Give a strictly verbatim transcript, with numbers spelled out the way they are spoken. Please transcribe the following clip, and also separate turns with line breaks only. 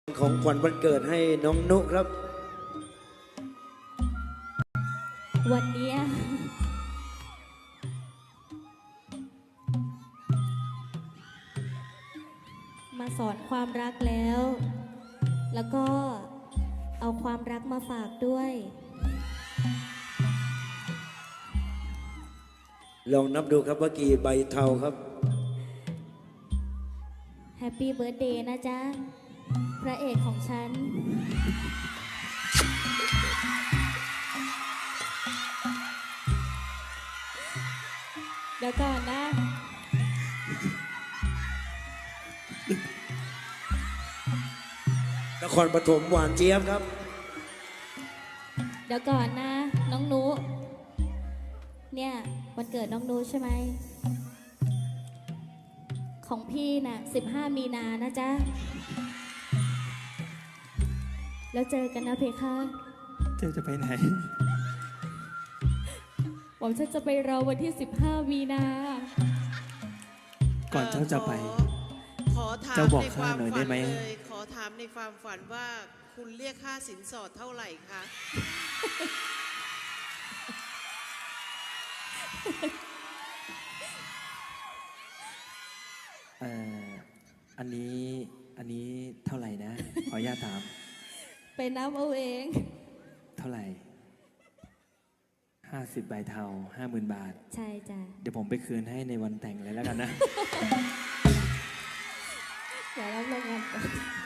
ของขวัญวันเกิดให้น้องนุครับ
วันนี้มาสอนความรักแล้ว แล้วก็เอาความรักมาฝากด้วย
ลองนับดูครับว่ากี่ใบเทาครับ
แฮปปี้เบิร์ดเดย์นะจ๊ะ พระเอกของฉัน เดี๋ยวก่อนนะ
นครปฐมหวานเจี๊ยบครับ
เดี๋ยวก่อนนะ น้องนุเนี่ยวันเกิดน้องนุใช่ไหม ของพี่น่ะสิบห้ามีนานะจ๊ะ แล้วเจอกันนะเพคะ
เธอจะไปไหน
ผมฉันจะไปรอวันที่สิบห้ามีนา
ก่อนเจ้าจะไป
ขอถาม
เจ้าบอก
ในคาม
ข้าวหน่อยได้ไหม
เลยขอถามในความฝันว่าคุณเรียกค่าสินสอดเท่าไหร่คะ
เอ่ออันนี้อันนี้เท่าไหร่นะ ขออนุญาตถาม
ไปนับเอาเอง
เท่าไหร่ห้าสิบใบเทาห้าหมื่นบาท
ใช่จ้ะ
เดี๋ยวผมไปคืนให้ในวันแต่งเลยแล้วกันนะ
เดี๋ยวรับรางวัลก่อน